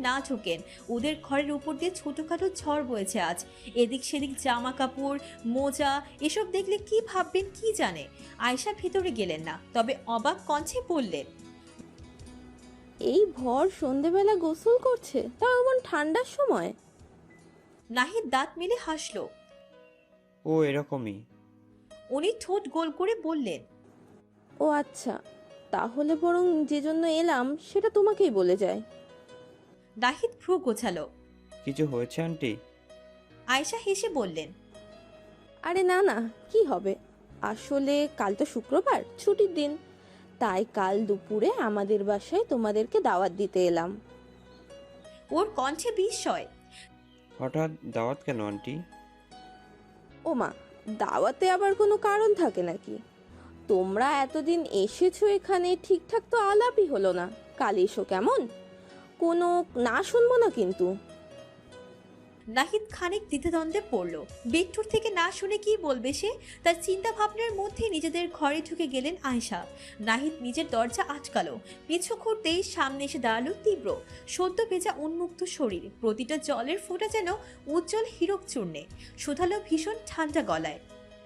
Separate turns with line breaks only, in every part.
না ঢোকেন। ওদের ঘরের উপর দিয়ে ছোটখাটো ঝড় বয়েছে আজ। এদিক সেদিক জামা কাপড়, মোজা এসব দেখলে কি ভাববেন কি জানে। আয়েশা ভেতরে গেলেন না, তবে অবাক কণ্ঠে বললেন,
এই ভর সন্ধেবেলা গোসল করছে, তাও এমন ঠান্ডার সময়?
নাহিদ দাঁত মেলে হাসল।
ও এরকমই।
উনি ঠোঁট গোল করে বললেন,
ও আচ্ছা, তাহলে বরং যে জন্য এলাম সেটা তোমাকেই বলে যায়।
নাহিদ ভ্রু গোছালো।
কিছু হয়েছে আন্টি?
আয়েশা হেসে বললেন,
আরে না না, কি হবে, আসলে কাল তো শুক্রবার, ছুটির দিন, তাই কাল দুপুরে আমাদের বাসায় তোমাদেরকে দাওয়াত দিতে এলাম।
ওর কণ্ঠে বিস্ময়।
হঠাৎ দাওয়াত কেন আন্টি?
ও মা, দাওয়াতে আবার কোনো কারণ থাকে নাকি? তোমরা এতদিন এসেছো এখানে, ঠিকঠাক তো আলাপই হলো না, কাল এসো কেমন? কোনো না শুনবো না কিন্তু।
নাহিদ খানিক দ্বিধাদ্বন্দ্বে পড়ল। বিট্টুর থেকে না শুনে কি বলবে সে। তার চিন্তা ভাবনার মধ্যে নিজেদের ঘরে ঢুকে গেলেন আয়েশা। নাহিদ নিজের দরজা আটকালো। পিছু ঘুরতেই সামনে এসে দাঁড়ালো তীব্র। সদ্য ভেজা উন্মুক্ত শরীর, প্রতিটা জলের ফোঁটা যেন উজ্জ্বল হীরক চূর্ণে। শুধালো ভীষণ ঠান্ডা গলায়,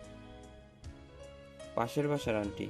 পাশের বাসার আন্টি।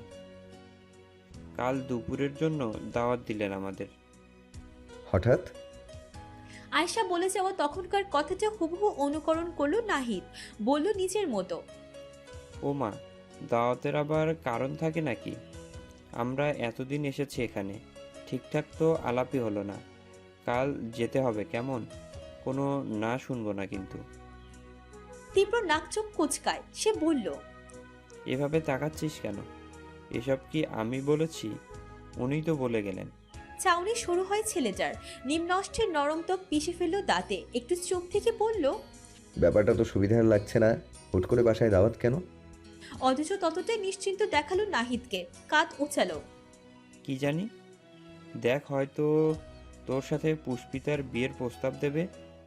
কাল দুপুরের জন্য দাওয়াত দিলেন আমাদের।
হঠাৎ?
আয়েশা বলে যাওয়া তখনকার কথাটা হুবহু অনুকরণ করলো নাহিদ। বলল নিজের মতো,
ও মা, দাওয়াতের আবার কারণ থাকে নাকি? আমরা এতদিন এসেছি এখানে, ঠিকঠাক তো আলাপই হলো না। কাল যেতে হবে কেমন? কোনো না শুনবো না কিন্তু।
তীব্র নাকচোখ কুচকায়। সে বলল,
এভাবে তাকাচ্ছিস কেন? এসব কি আমি বলেছি? উনিই তো বলে গেলেন।
চাউনি শুরু হয় ছেলেটার। নিম্নষ্ঠের নরম ত্বক পিষে ফেলল দাঁতে। একটু চোখ থেকে বলল,
ব্যাপারটা তো সুবিধার লাগছে না, হুট করে বাসায় দাওয়াত কেন?
অথচ ততটাই নিশ্চিন্ত দেখালো নাহিদকে। কাঁধ উঁচালো।
কি জানি, দেখ হয়তো তোর সাথে পুষ্পিতার বিয়ের প্রস্তাব দেবে।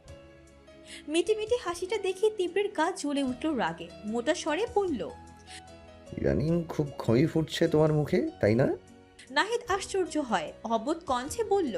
মিটি মিটি হাসিটা দেখে তীব্রের গা জ্বলে উঠল রাগে। মোটা স্বরে বলল,
ইদানিং খুব খই ফুটছে তোমার মুখে, তাই না?
নাহিদ আশ্চর্য হয়, অবোধ কণ্ঠে বলল,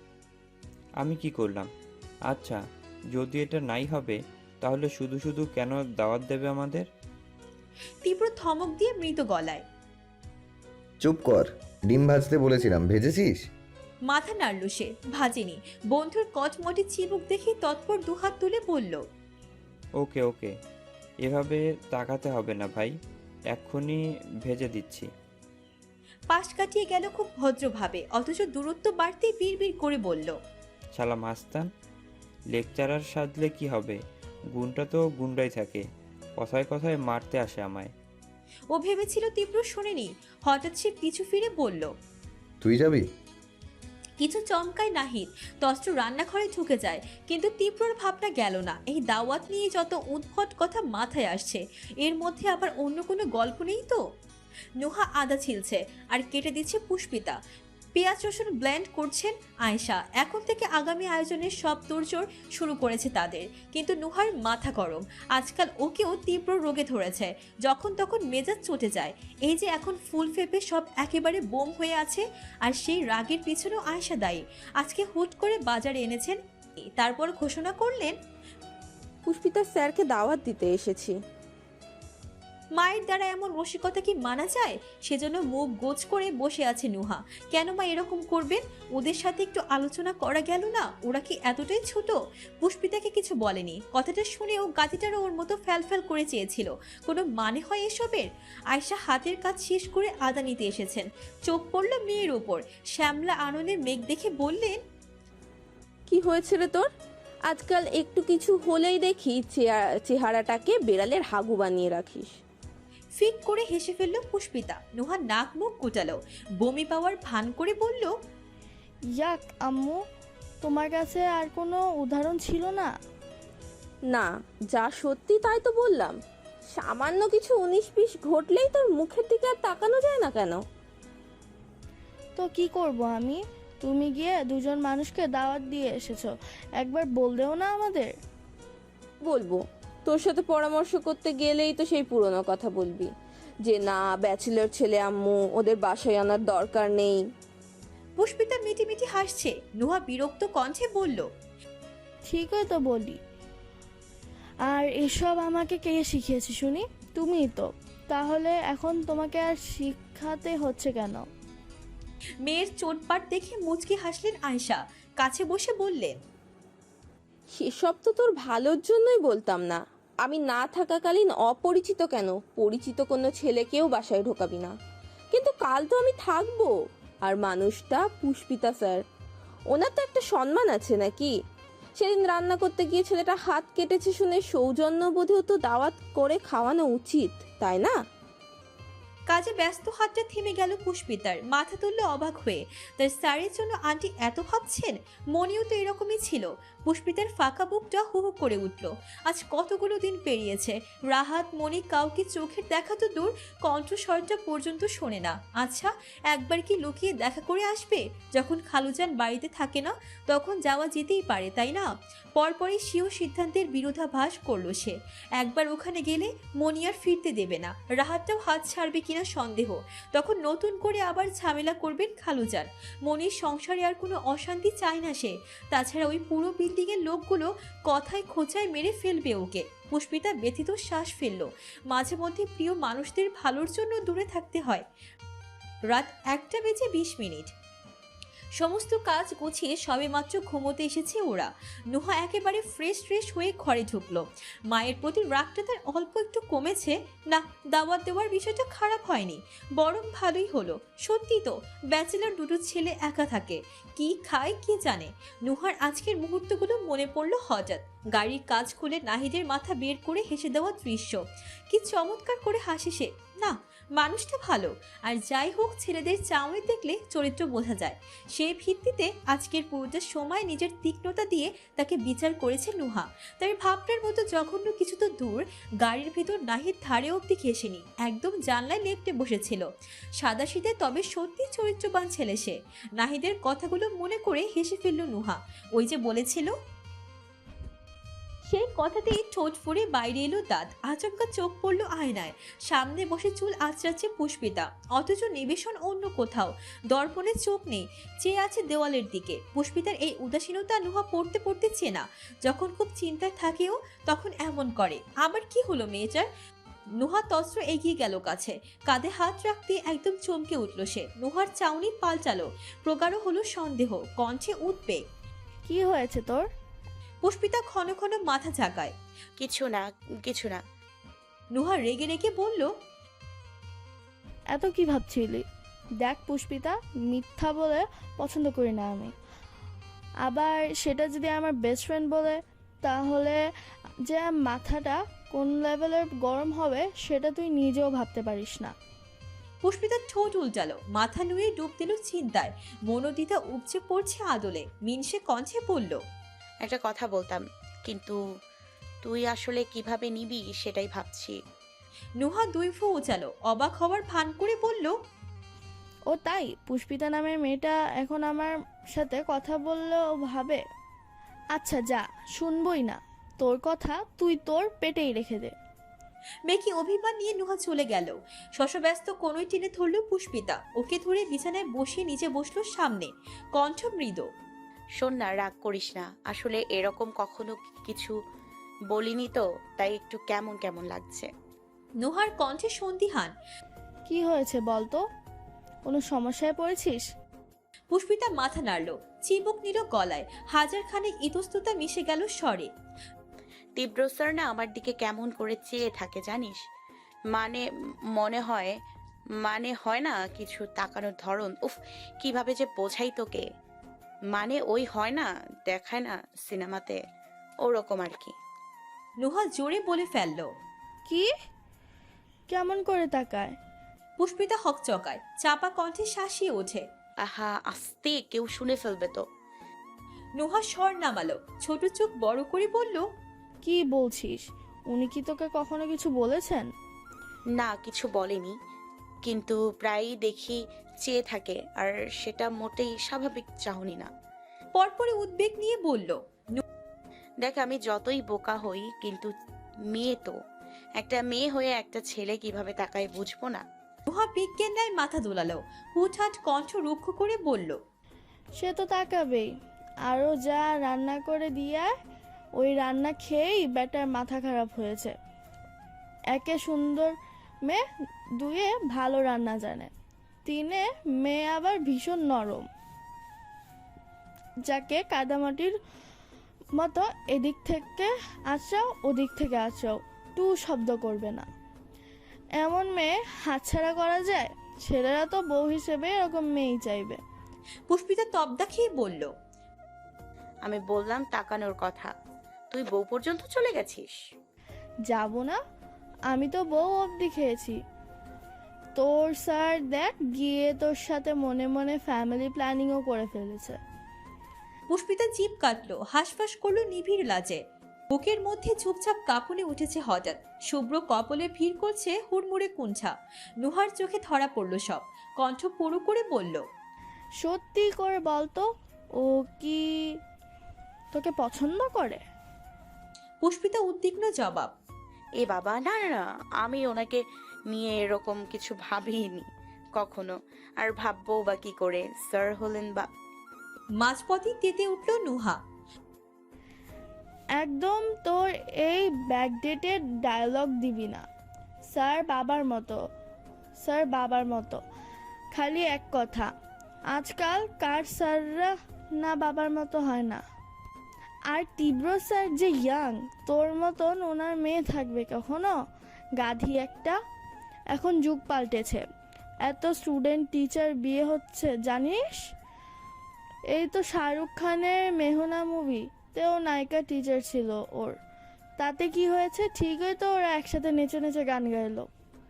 আমি কি করলাম? আচ্ছা, যদি এটা নাই হবে তাহলে শুধু শুধু কেন দাওয়াত দেবে আমাদের?
তীব্র ধমক দিয়ে মৃত গলায়।
চুপ কর, ডিম ভাজতে বলেছিলাম, ভেজেছিস?
মাথা নাড়ল সে। ভাজেনি। বন্ধুর কচমটি চিবুক দেখে তৎপর দুহাত তুলে বলল,
ওকে ওকে, এভাবে তাকাতে হবে না ভাই, এক্ষুনি ভেজে দিচ্ছি।
পাশ কাটিয়ে গেল খুব ভদ্রভাবে, অথচ দূরত্ব বাড়তেই বিড়বিড় করে বলল,
শালা মাস্তান, লেকচারার সাজলে কি হবে? গুণটা তো গুন্ডাই থাকে, কথায় কথায় মারতে আসে আমায়।
ও ভেবেছিল তীব্র শোনেনি। হঠাৎ সে পিছু ফিরে বলল,
তুই যাবি?
কিছু চমকায় নাহিদ। তস্ত্র রান্নাঘরে ঢুকে যায়, কিন্তু তীব্রর ভাবনা গেল না। এই দাওয়াত নিয়ে যত উদ্ভট কথা মাথায় আসছে, এর মধ্যে আবার অন্য কোনো গল্প নেই তো? নুহা আদা ছিলছে আর কেটে দিচ্ছে পুষ্পিতা। পেঁয়াজ রসুন ব্লেন্ড করছেন আয়েশা। এখন থেকে আগামী আয়োজনের সব তোড়জোড় শুরু করেছে তাদের। কিন্তু নুহার মাথা গরম। আজকাল ওকেও তীব্র রোগে ধরেছে, যখন তখন মেজাজ চটে যায়। এই যে এখন ফুল ফেপে সব একেবারে বোম হয়ে আছে, আর সেই রাগের পিছনেও আয়েশা দায়ী। আজকে হুট করে বাজারে এনেছেন, তারপর ঘোষণা করলেন,
পুষ্পিতার স্যারকে দাওয়াত দিতে এসেছি।
মায়ের দ্বারা এমন রসিকতা কি মানা যায়? সেজন্য মুখ গোছ করে বসে আছে নুহা। কেন মা এরকম করবেন? ওদের সাথে একটু আলোচনা করা গেল না? ওরা কি এতটাই ছোট? পুষ্পিতাকে কিছু বলেনি। কথাটা শুনেও গাতিটারও ওর মতো ফ্যালফ্যাল করে চেয়েছিল। কোনো মানে হয় এসবের? আয়শা হাতের কাজ শেষ করে আদা নিতে এসেছেন। চোখ পড়ল মেয়ের ওপর। শ্যামলা আননের মেঘ দেখে বললেন,
কি হয়েছে রে তোর? আজকাল একটু কিছু হলেই দেখি চেহারাটাকে বেড়ালের হাগু বানিয়ে রাখিস।
ফিক করে হেসে ফেলল পুষ্পিতা। নুহা নাক মুখ কুটালো। বমি পাওয়ার ভান করে বলল,
ইয়াক আম্মু, তোমার কাছে আর কোনো উদাহরণ ছিল না?
না, যা সত্যি তাই তো বললাম। সামান্য কিছু 19-20 ঘটলেই তোর মুখের দিকে আর তাকানো যায় না কেন?
তো কি করব আমি? তুমি গিয়ে দুজন মানুষকে দাওয়াত দিয়ে এসেছো, একবার বললেও না আমাদের?
বলবো, তোর সাথে পরামর্শ করতে গেলেই তো সেই পুরনো কথা বলবি যে না, ব্যাচেলর ছেলে আম্মু, ওদের বাসায় আনার দরকার নেই।
পুষ্পিতা মিটিমিটি হাসছে। নুহা বিরক্ত কণ্ঠে বলল,
ঠিকই তো বলি। আর এসব আমাকে কে শিখিয়েছে শুনি? তুমিই তো। তাহলে এখন তোমাকে আর শিখাতে হচ্ছে কেন?
মেয়ের চোটপাট দেখে মুচকি হাসলেন আয়শা। কাছে বসে বললেন,
সেসব তো তোর ভালোর জন্যই বলতাম না। আমি না থাকাকালীন অপরিচিত কেন, পরিচিত কোনো ছেলেকেও বাসায় ঢোকাবি না। কিন্তু কাল তো আমি থাকবো। আর মানুষটা পুষ্পিতা স্যার, ওনার তো একটা সম্মান আছে নাকি? সেদিন রান্না করতে গিয়ে ছেলেটা হাত কেটেছে শুনে সৌজন্যবোধেও তো দাওয়াত করে খাওয়ানো উচিত, তাই না?
কাজে ব্যস্ত হাতটা থেমে গেল পুষ্পিতার। মাথা তুলল অবাক হয়ে। তার স্যারের জন্য আন্টি এত ভাবছেন? মনেও তো এরকমই ছিল। পুষ্পিতার ফাঁকা বুকটা হু হু করে উঠল। আজ কতগুলো দিন পেরিয়েছে, রাহাত মনি কাউকে চোখের দেখা তো দূর, কণ্ঠস্বরটা পর্যন্ত শোনে না। আচ্ছা, একবার কি লুকিয়ে দেখা করে আসবে? যখন খালুজান বাড়িতে থাকে না তখন যাওয়া যেতেই পারে, তাই না? পরপরই সেও সিদ্ধান্তের বিরোধাভাস করলো সে। একবার ওখানে গেলে মনি আর ফিরতে দেবে না। রাহাতটাও হাত ছাড়বে কিনা সন্দেহ। তখন নতুন করে আবার ঝামেলা করবেন খালুজান। মনির সংসারে আর কোনো অশান্তি চায় না সে। তাছাড়া ওই পুরো বিল্ডিংয়ের লোকগুলো কথায় খোঁচায় মেরে ফেলবে ওকে। পুষ্পিতা ব্যথিত শ্বাস ফেলল। মাঝে মধ্যে প্রিয় মানুষদের ভালোর জন্য দূরে থাকতে হয়। রাত 1:20 সমস্ত কাজ গুছিয়ে সবেমাত্র ঘুমোতে এসেছে ওরা। নুহা একেবারে ফ্রেশ হয়ে ঘরে ঢুকলো। মায়ের প্রতি রাগটা তার অল্প একটু কমেছে। না, দাওয়াত দেওয়ার বিষয়টা খারাপ হয়নি, বরং ভালোই হলো। সত্যি তো, ব্যাচেলর দুটো ছেলে একা থাকে, কি খায় কে জানে। নুহার আজকের মুহূর্তগুলো মনে পড়লো হঠাৎ। গাড়ির কাজ খুলে নাহিদের মাথা বের করে হেসে দেওয়া দৃশ্য। কি চমৎকার করে হাসে সে! না, মানুষটা ভালো। আর যাই হোক, ছেলেদের চাউনি দেখলে চরিত্র বোঝা যায়। সেই ভিত্তিতে আজকের পুরোটা সময় নিজের তীক্ষ্ণতা দিয়ে তাকে বিচার করেছে নুহা। তার ভাবনার মতো জঘন্য কিছু তো দূর, গাড়ির ভিতর নাহিদ ধারে অব্দি ঘেসেনি, একদম জানলায় লেপ্টে বসেছিল। সাদাসিধে তবে সত্যি চরিত্রবান ছেলে সে। নাহিদের কথাগুলো মনে করে হেসে ফেলল নুহা। ওই যে বলেছিল, সেই কথাতেই ঠোঁট ফুঁড়ে বাইরে এলো দাঁত। আচমকা চোখ পড়ল আয়নায়। সামনে বসে চুল আঁচড়াচ্ছে পুষ্পিতা, অথচ নিবেশন অন্য কোথাও। দর্পণে চোখ নেই, চেয়ে আছে দেওয়ালের দিকে। পুষ্পিতার এই উদাসীনতা নুহা পড়তে পড়তে চেনা। যখন খুব চিন্তায় থাকেও তখন এমন করে। আবার কি হলো মেয়েটার? নুহা তস্ত্র এগিয়ে গেল কাছে, কাঁধে হাত রাখতে একদম চমকে উঠল সে। নুহার চাউনি পাল্টালো, প্রগাঢ় হলো সন্দেহ, কণ্ঠে উদ্বেগ।
কি হয়েছে তোর?
পুষ্পিতা ক্ষণ ক্ষণ মাথা ঝাঁকায়।
কিছু না, কিছু না।
নুহা রেগে রেগে বলল,
এত কি ভাবছিলি? দেখ পুষ্পিতা, মিথ্যা বলে পছন্দ করি না আমি। আবার সেটা যদি আমার বেস্ট ফ্রেন্ড বলে, তাহলে যে মাথাটা কোন লেভেলের গরম হবে সেটা তুই নিজেও ভাবতে পারিস না।
পুষ্পিতার ঠোঁট উল্টালো, মাথা নুয়ে ডুব দিল চিন্তায়। মনোদিতা উপচে পড়ছে আদলে। মিনসে কণ্ঠে বলল,
একটা কথা বলতাম, কিন্তু তুই আসলে কিভাবে নিবি সেটাই ভাবছি।
নুহা দুই ফু উচালো, অবাক হওয়ার ভান করে বলল,
ও তাই? পুষ্পিতা নামের মেয়েটা এখন আমার সাথে কথা বললেও ভাবে? আচ্ছা যা, শুনবই না তোর কথা, তুই তোর পেটেই রেখে দে।
মেকি অভিমান নিয়ে নুহা চলে গেল। শশব্যস্ত কোনোই টেনে ধরল পুষ্পিতা। ওকে ধরে বিছানায় বসিয়ে নিচে বসলো সামনে, কণ্ঠ মৃদু।
শোন না, রাগ করিস না। আসলে এরকম কখনো কিছু বলিনি তো, তাই একটু কেমন কেমন লাগছে।
নুহার কণ্ঠে সন্দিহান।
কি হয়েছে বল তো? কোনো সমস্যায় পড়েছিস?
পুষ্পিতা মাথা নাড়ল, চিবুক নিল গলায়। হাজার খানেক ইতস্ততা মিশে গেল স্বরে।
তীব্র স্যার না আমার দিকে কেমন করে চেয়ে থাকে জানিস? মানে মনে হয় না কিছু তাকানোর ধরন, উফ কিভাবে যে বোঝাই তোকে। মানে ওই হয় না, দেখায় না সিনেমাতে, ওরকম আর কি।
নুহা জোরে বলে ফেলল।
কি? কেমন করে তাকায়?
পুষ্পিতা হকচকায়, চাপা কণ্ঠে শাসিয়ে ওঠে।
আহা, আস্তে, কেউ শুনে ফেলবে তো।
নুহা স্বর নামালো, ছোট চোখ বড় করে বলল,
কি বলছিস? উনি কি তোকে কখনো কিছু বলেছেন?
না, কিছু বলেনি, কিন্তু প্রায়ই দেখি চেয়ে থাকে, আর সেটা মোটেই স্বাভাবিক চাহনি না।
পরপরে উদ্বেগ নিয়ে বলল,
দেখ আমি যতই বোকা হই, কিন্তু মেয়ে তো, একটা মেয়ে হয়ে একটা ছেলে কিভাবে তাকায় বুঝবো না?
নুহা বিজ্ঞান ন্যায় মাথা দোলালো, হুটহাট কণ্ঠ রুক্ষ করে বলল,
সে তো তাকাবেই। আরও যা রান্না করে দিয়ে ওই রান্না খেয়েই বেটার মাথা খারাপ হয়েছে। একে সুন্দর মেয়ে, দুয়ে ভালো রান্না জানে, তিনে মেয়ে আবার ভীষণ নরম, যাকে কাদামাটির মতো এদিক থেকে আঁচড়াও ওদিক থেকে আঁচড়াও টু শব্দ করবে না। এমন মেয়ে হাতছাড়া করা যায়? ছেলেরা তো বউ হিসেবে এরকম মেয়েই চাইবে।
পুষ্পিতা তবদা খেয়ে বলল,
আমি বললাম তাকানোর কথা, তুই বউ পর্যন্ত চলে গেছিস।
যাব না? আমি তো বউ অবধি খেয়েছি। তোর স্যার দেখ গিয়ে তোর সাথে মনে মনে ফ্যামিলি প্ল্যানিংও করে ফেলেছে।
পুষ্পিতা জিভ কাটলো, হাঁসফাঁস করলো নিবিড় লাজে। বুকের মধ্যে চুপচাপ কাঁপুনি উঠেছে হঠাৎ। শুভ্র কপলে ভিড় করছে হুড়মুড়ে কুঞ্ছা। নুহার চোখে ধরা পড়ল সব। কণ্ঠ পুরু করে বলল,
সত্যি করে বলতো, ও কি তোকে পছন্দ করে?
পুষ্পিতা উদ্বিগ্ন জবাব,
এ বাবা, না না না, আমি ওনাকে নিয়ে এরকম কিছু ভাবিনি কখনো, আর ভাববো বা কি করে, স্যার হলেন বা।
মাঝপথই তেতে উঠল নুহা।
একদম তোর এই ব্যাকডেটেড ডায়লগ দিবি না। স্যার বাবার মতো, স্যার বাবার মতো, খালি এক কথা। আজকাল কার স্যাররা না বাবার মতো হয় না। আর তীব্র স্যার যে ইয়াং, তোর মতন ওনার মেয়ে থাকবে কখনো? গাধি একটা। এখন যুগ পাল্টেছে, এত স্টুডেন্ট টিচার বিয়ে হচ্ছে জানিস? এই তো শাহরুখ খানের মেহনা মুভি তেও নায়িকা টিচার ছিল ওর। তাতে কি হয়েছে? ঠিকই তো ওরা একসাথে নেচে নেচে গান গাইলো।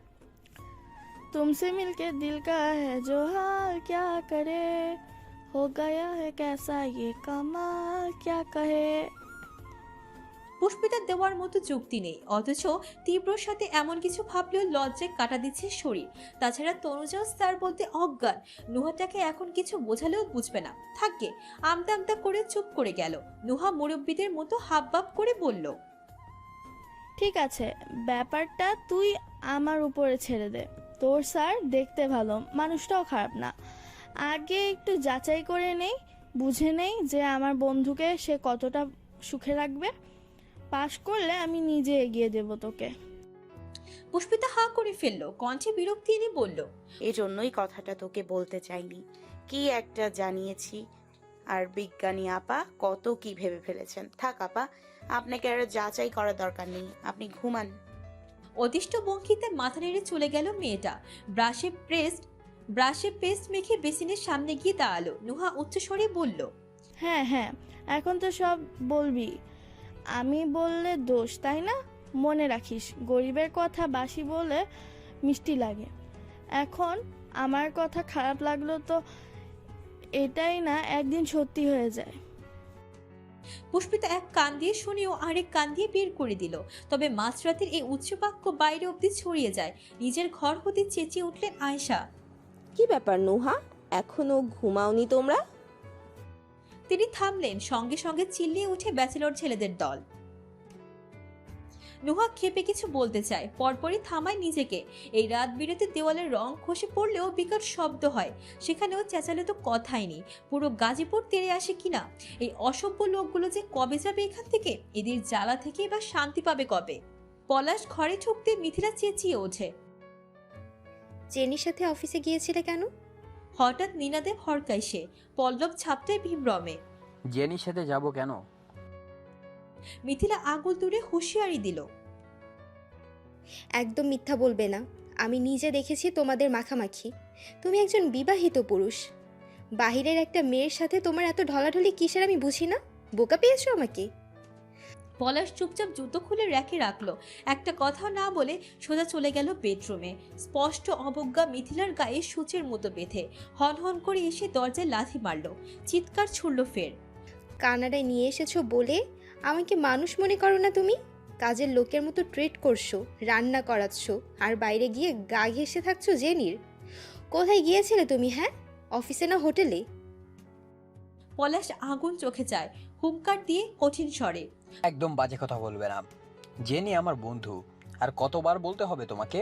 तुमसे मिलके दिल का है जो हाल क्या करे, हो गया है कैसा ये कमाल क्या कहे।
পুষ্পিতার দেওয়ার মতো যুক্তি নেই, অথচ তীব্রর সাথে এমন কিছু ভাবলেও লজ্জায় কাটা দিচ্ছে শরীর। তাছাড়া তনুজাও স্যার বলতে অজ্ঞান। নুহাটাকে এখন কিছু বোঝালেও বুঝবে না, থাকবে। আমতা আমতা করে চুপ করে গেল। নুহা মুরব্বীদের মতো হাবভাব করে বলল,
ঠিক আছে, ব্যাপারটা তুই আমার উপরে ছেড়ে দে। তোর স্যার দেখতে ভালো, মানুষটাও খারাপ না। আগে একটু যাচাই করে নেই, বুঝে নেই যে আমার বন্ধুকে সে কতটা সুখে রাখবে। পাশ করলে আমি নিজে এগিয়ে দেব তোকে।
পুষ্পিতা হা করে ফেললো, কণ্ঠে বিরক্তি এনে বলল,
এজন্যই কথাটা তোকে বলতে চাইনি, কি একটা জানিয়েছি। আর বিজ্ঞানী আপা কত কি ভেবে ফেলেছেন। থাক আপা, আপনাকে আর যাচাই করার দরকার নেই, আপনি ঘুমান।
অদিষ্ট ভঙ্গিতে মাথা নেড়ে চলে গেল মেয়েটা। ব্রাশে পেস্ট মেখে বেসিনের সামনে গিয়ে দাঁড়ালো। নুহা উচ্চস্বরে বলল,
হ্যাঁ হ্যাঁ, এখন তো সব বলবি। আমি বললে দোষ, তাই না? মনে রাখিস, গরিবের কথা বাসি বলে মিষ্টি লাগে। এখন আমার কথা খারাপ লাগলো তো এটাই না একদিন সত্যি হয়ে যায়।
পুষ্পিতা এক কান দিয়ে শুনেও আরেক কান দিয়ে বের করে দিল। তবে মাঝরাতের এই উচ্চবাক্য বাইরে অবধি ছড়িয়ে যায়। নিজের ঘর হতে চেঁচিয়ে উঠলেন আয়েশা।
কি ব্যাপার নুহা, এখনো ঘুমাওনি তোমরা?
তিনি থামলেন, সঙ্গে সঙ্গে চিল্লিয়ে উঠে ব্যাচেলর ছেলেদের দল। নুহা ক্ষেপে কিছু বলতে চায়, পরপরই থামায় নিজেকে। এই রাত বিরেতে দেওয়ালের রং খসে পড়লেও বিকট শব্দ হয়, সেখানেও চেঁচালে তো কথাই নেই। পুরো গাজীপুর তেড়ে আসে কিনা। এই অসভ্য লোকগুলো যে কবে যাবে এখান থেকে? এদের জ্বালা থেকে বা শান্তি পাবে কবে? পলাশ ঘরে ঢুকতে মিথিলা চেঁচিয়ে ওঠে,
জেনির সাথে অফিসে গিয়েছিলে কেন?
হঠাৎ নীনাদেব হরকায় সে। পল্লব ছাপটায় বিভ্রমে।
জেনির সাথে যাব কেন?
মিথিলা আঙুল তুলে হুঁশিয়ারি দিল,
একদম মিথ্যা বলবে না। আমি নিজে দেখেছি তোমাদের মাখামাখি। তুমি একজন বিবাহিত পুরুষ, বাহিরের একটা মেয়ের সাথে তোমার এত ঢলাঢলি কিসের আমি বুঝি না। বোকা পেয়েছো আমাকে?
পলাশ চুপচাপ জুতো খুলে র্যাকে রাখলো। একটা কথাও না বলে সোজা চলে গেল বেডরুমে। স্পষ্ট অবজ্ঞা মিথিলার গায়ে সূচের মতো বেঁধে হন করে এসে দরজায় লাথি মারল। চিৎকার ছুড়ল ফের,
কানাডায় নিয়ে এসেছো বলে আমাকে মানুষ মনে করো না তুমি? কাজের লোকের মতো ট্রিট করছো, রান্না করাচ্ছ, আর বাইরে গিয়ে গা ঘেঁষে থাকছো জেনির। কোথায় গিয়েছিলে তুমি? হ্যাঁ, অফিসে না হোটেলে?
পলাশ আগুন চোখে চায়, হুঙ্কার দিয়ে কঠিন স্বরে,
একদম বাজে কথা বলবে না। জেনি আমার বন্ধু, আর কতবার বলতে হবে তোমাকে?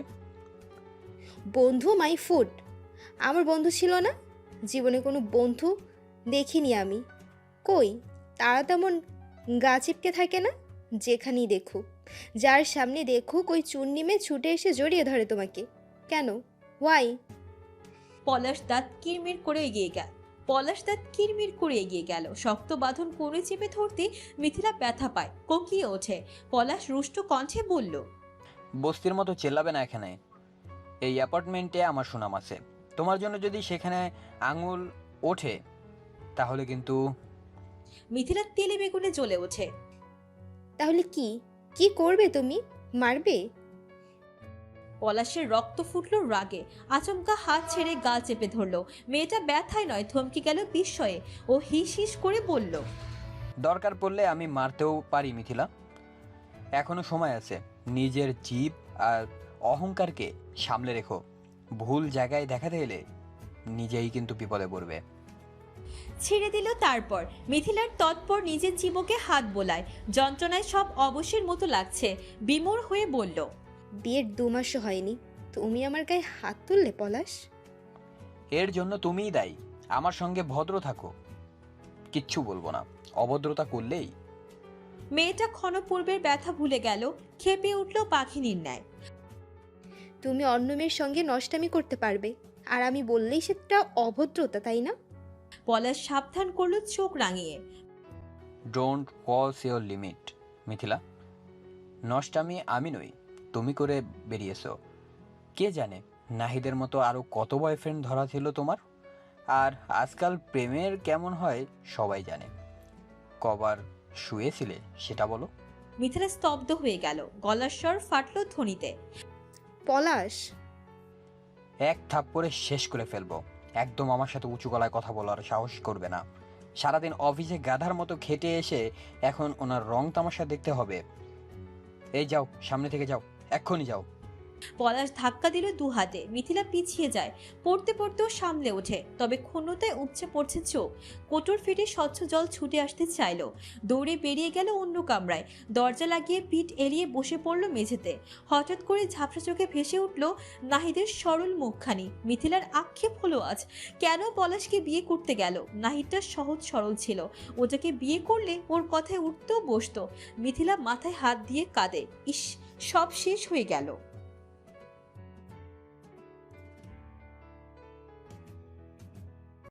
বন্ধু মাই ফুড। আমার বন্ধু ছিল না, জীবনে কোনো বন্ধু দেখিনি আমি। কই, তারা তেমন গা চিপকে থাকে না। যেখানেই দেখুক, যার সামনে দেখুক, ওই চুন্নি মেয়ে ছুটে এসে জড়িয়ে ধরে তোমাকে। কেন? ওয়াই?
পলাশ দাঁত কিরমির করে এগিয়ে গেল। শক্ত বাঁধন কোণে চেপে ধরতে মিথিলা ব্যথা পায়, কোকিয়ে ওঠে। পলাশ রুষ্ট কণ্ঠে বলল,
বস্তির মতো চেল্লাবে না এখানে। এই অ্যাপার্টমেন্টে আমার সুনাম আছে। তোমার জন্য যদি সেখানে আঙুল ওঠে তাহলে কিন্তু।
মিথিলা তেলে বেগুনে জ্বলে ওঠে।
তাহলে কি কি করবে তুমি? মারবে?
পলাশের রক্ত ফুটলো রাগে, আচমকা হাত ছেড়ে গাল চেপে ধরলো। মেয়েটা ব্যথায় নয়, থমকে গেল বিস্ময়ে। ও হিস হিস করে বলল,
দরকার পড়লে আমি মারতেও পারি মিথিলা। এখনো সময় আছে। নিজের জিভ আর অহংকারকে সামলে রেখো। ভুল জায়গায় দেখাতে এলে নিজেই কিন্তু বিপদে পড়বে।
ছেড়ে দিল। তারপর মিথিলার তৎপর নিজের জীবকে হাত বোলায়। যন্ত্রণায় সব অবশ্যের মতো লাগছে। বিমূঢ় হয়ে বলল,
বিয়ের 2 মাসও হয়নি, তুমি আমার গায়ে হাত তুললে পলাশ?
এর জন্য তুমিই দায়ী। আমার সঙ্গে ভদ্র থাকো, কিচ্ছু বলবো না। অভদ্রতা করলেই।
মেয়েটা ক্ষণপূর্বের ব্যথা ভুলে গেল, খেপে উঠল পাখিনীর ন্যায়।
তুমি অন্য মেয়ের সঙ্গে নষ্টামি করতে পারবে, আর আমি বললেই সেটা অভদ্রতা, তাই না?
পলাশ সাবধান করলো চোখ রাঙিয়ে।
Don't cross your limit Mithila. নষ্টামি আমি নই, তুমি করে বেরিয়েছো। কে জানে নাহিদের মতো আরো কত বয়ফ্রেন্ড ধরা ছিল তোমার। আর আজকাল প্রেমের কেমন হয় সবাই জানে। কবার শুয়েছিলে সেটা বলো।
মিথিলা স্তব্ধ হয়ে গেল, গলার স্বর ফাটলো ধ্বনিতে।
পলাশ,
এক থাপ্পড়ে শেষ করে ফেলবো। একদম আমার সাথে উঁচু গলায় কথা বলার সাহস করবে না। সারাদিন অফিসে গাধার মতো খেটে এসে এখন ওনার রং তামাশা দেখতে হবে। এই যাও, সামনে থেকে যাও, এক্ষুনি যাও।
পলাশ ধাক্কা দিল 2 হাতে। মিথিলা পিছিয়ে যায়, পড়তে পড়তেও সামলে ওঠে। তবে ক্ষুণ্ণতায় উপচে পড়ছে চোখ। কোটর ফেটে স্বচ্ছ জল ছুটে আসতে চাইল। দৌড়ে বেরিয়ে গেল অন্য কামরায়। দরজা লাগিয়ে পিঠ এড়িয়ে বসে পড়ল মেঝেতে। হঠাৎ করে ঝাপসা চোখে ভেসে উঠল নাহিদের সরল মুখখানি। মিথিলার আক্ষেপ হলো আজ, কেন পলাশকে বিয়ে করতে গেল? নাহিদটা সহজ সরল ছিল, ওটাকে বিয়ে করলে ওর কথায় উঠতেও বসতো। মিথিলা মাথায় হাত দিয়ে কাঁদে। ইস, সব শেষ হয়ে গেল।